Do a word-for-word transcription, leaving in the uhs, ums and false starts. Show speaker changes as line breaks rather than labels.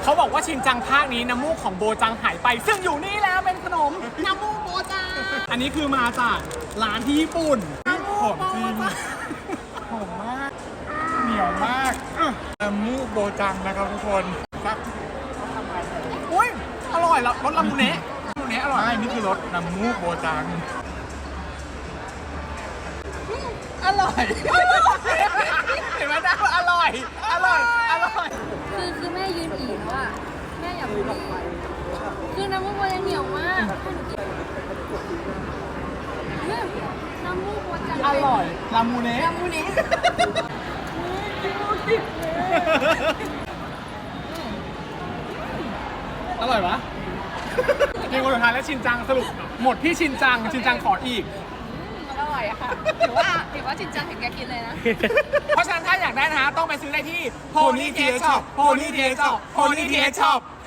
เขาบอกว่าชินจังภาคนี้น้ำมูกของโบจังหายไปซึ่งอยู่นี่แล้วเป็นขนมน้ำมูกโบจังอันนี้คือมาจากร้านที่ญี่ปุ่นหอมจริงหอมมากเหนียวมากน้ำมูกโบจังนะครับทุกคนครับอุ้ยอร่อยรสลามูเนะลามูเนะอร่อยนี่คือรสน้ำมูกโบจังอร่อยเห็นไหมจ๊ะอร่อยอร่อยอร่อย
คือคือแม่ยืนอีกแล้วอ่ะแม่อยากพูดคือน้ำมูกโบยังเหนียวมากน้ำมูกโบจะ
อร่อยลามูเนะ
ลามูเนะ
อร่อยปะมีคนสุดท้ายและชินจังสรุปหมดที่ชินจังชินจังขออีก
อร่อยอะค่ะถือว่าถือว่าจริงจังถึงแกกินเลยนะ
เพราะฉะนั้นถ้าอยากได้นะฮะต้องไปซื้อได้ที่ Pony ที เอช Shop Pony ที เอช Shop Pony ที เอช Shop